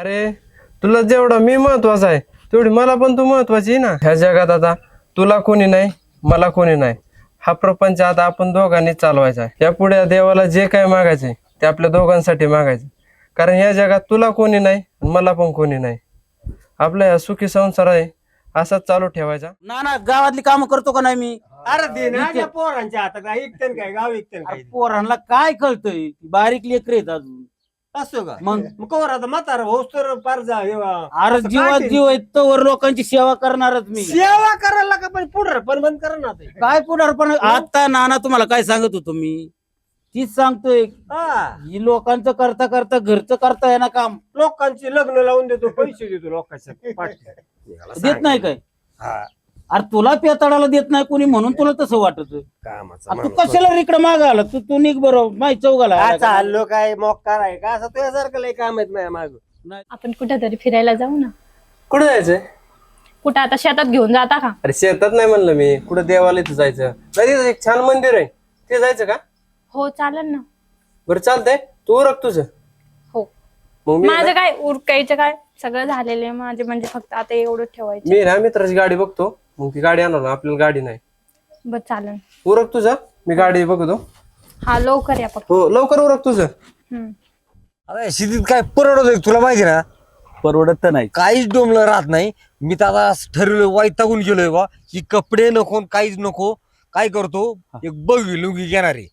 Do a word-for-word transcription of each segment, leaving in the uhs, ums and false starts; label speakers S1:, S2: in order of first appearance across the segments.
S1: अरे तुला जेवढा मी महत्वाचा आहे तेवढी मला पण तू महत्वाची आहे ना ह्या जगात. आता तुला कोणी नाही, मला कोणी नाही. हा प्रपंच आता आपण दोघांनी चालवायचा आहे. यापुढे देवाला जे काय मागायचंय ते आपल्या दोघांसाठी मागायचं. कारण या जगात तुला कोणी नाही, मला पण कोणी नाही. आपला या सुखी संसार आहे असाच चालू ठेवायचा.
S2: ना ना गावातली काम करतो का नाही मी?
S3: अरे दे ना त्या पोरांच्या हातात काय ऐकतेन काय गाव ऐकतेन काय
S2: पोरांना काय कळतंय? बारीक लेकर आहेत अजून.
S3: असतो का
S2: मग?
S3: मग कवर आता म्हातारा भाऊस तर पार जा हे वा.
S2: अरे
S3: असं
S2: जीवात
S3: काय
S2: जीव आहे तोवर लोकांची सेवा करणारच मी.
S3: सेवा करायला का पण पुढे पण बंद करा ना ते.
S2: काय पुढारपण आता नाना तुम्हाला काय सांगत होतो मी तीच सांगतोय.
S3: हा
S2: ही लोकांचं करता करता घरचं करता येणार काम
S3: लोकांची लग्न लावून देतो, पैसे देतो लोकांच्या पाठी
S2: देत नाही काय?
S3: हा
S2: अरे तुला पेताडाला देत नाही कोणी म्हणून तुला तसं वाटत.
S3: कामाचा
S2: तू कशाला रिकडे मागायला? तू तू निघ बरोबर माही चौघाला
S3: काय चाललो काय मोकार आहे का असं तुझ्यासारखं लय काम आहेत माझ्या माग.
S4: आपण कुठेतरी फिरायला जाऊ ना.
S1: कुठं जायचंय?
S4: कुठं आता शेतात घेऊन जाता का?
S1: अरे शेतात नाही म्हणलं मी, कुठं देवाला इथं जायचं. नाही तिथं एक छान मंदिर आहे ते जायचं का?
S4: हो चालेल ना.
S1: बरं चालतंय, तू उरक तुझं.
S4: हो
S1: मग मी
S4: माझं काय उरकायचं काय सगळं झालेलं आहे माझे, म्हणजे फक्त आता एवढं ठेवायचं.
S1: मी ना मित्राची गाडी बघतो, मग ती गाडी आणणार ना. आपल्याला गाडी नाही.
S4: बर चालेल.
S1: उरक तुझं, मी गाडी बघतो.
S4: हा लवकर या फक्त.
S1: हो लवकर उरक तुझं.
S4: हम्म.
S5: अरे शेतीत काय परवडत आहे तुला माहिती ना?
S2: परवडत तर नाही.
S5: काहीच डोमलं राहत नाही. मी तर आता ठरवलं वैतागून गेलोय बा की कपडे नको काहीच नको. काय करतो एक बघी लुंगी घेणार आहे.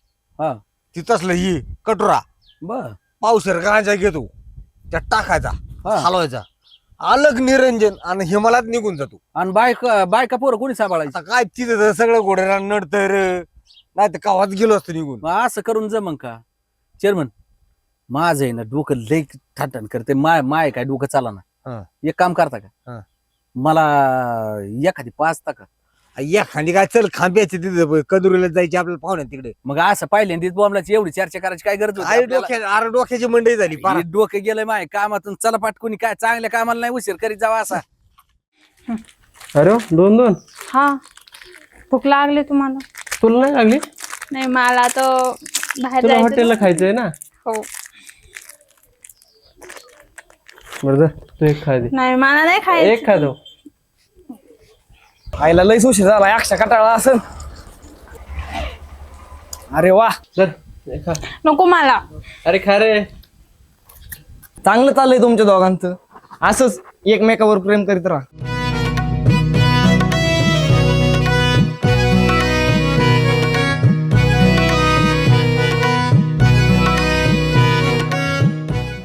S2: हा
S5: ती तसलं ही कटोरा
S2: बर
S5: पावसर गांजा घेतो त्यात टाकायचा
S2: हा.
S5: हलवायचा अलग निरंजन आणि हिमालयात निघून जातो.
S2: आणि बायका बायका पोरं कोणी सांभाळायचं?
S5: आता काय तिथं तर सगळं घोड्याला नडतर नाही तर कावात गेलो असतो निघून.
S2: मग असं करून जमन का चेअरमन? माझं आहे ना डोकं लई थाटण करते. माय माय काय डोकं चाला
S5: हा.
S2: ना. एक काम करता
S5: हा.
S2: का मला एखादी पाचता का?
S5: या खांदी काय चल खांब्याचे तिथे कदुरीला जायचे आपल्याला पाहुण्या तिकडे.
S2: मग असं पाहिल्यांदीच बॉम्बलाची एवढी चर्चा करायची काय गरज होती
S5: आई
S2: आपल्याला?
S5: डोक्या अरे डोक्याची मंडई झाली पार.
S2: हे डोकं गेलंय माय कामातून. चला पाटकुनी काय चांगल्या कामाला नाही उशीर करीत जावा असा.
S1: अरे दोन दोन
S4: हा भूक लागली तुम्हाला?
S1: तुला नाही लागली?
S4: नाही मला तर बाहेर
S1: तुला
S4: जायचं.
S1: हॉटेलला खायचंय ना?
S4: हो.
S1: बरं जा, तू एक खा दे.
S4: नाही मला नाही खायचं.
S1: एक खा दो.
S6: आईला लई उशीर झाला. अक्षा कटाळा असेल. अरे वा
S1: चल एक खा.
S4: नको मला.
S1: अरे खा रे.
S6: चांगलं चाललंय तुमच्या दोघांचं. असंच एकमेकावर प्रेम करीत राहा.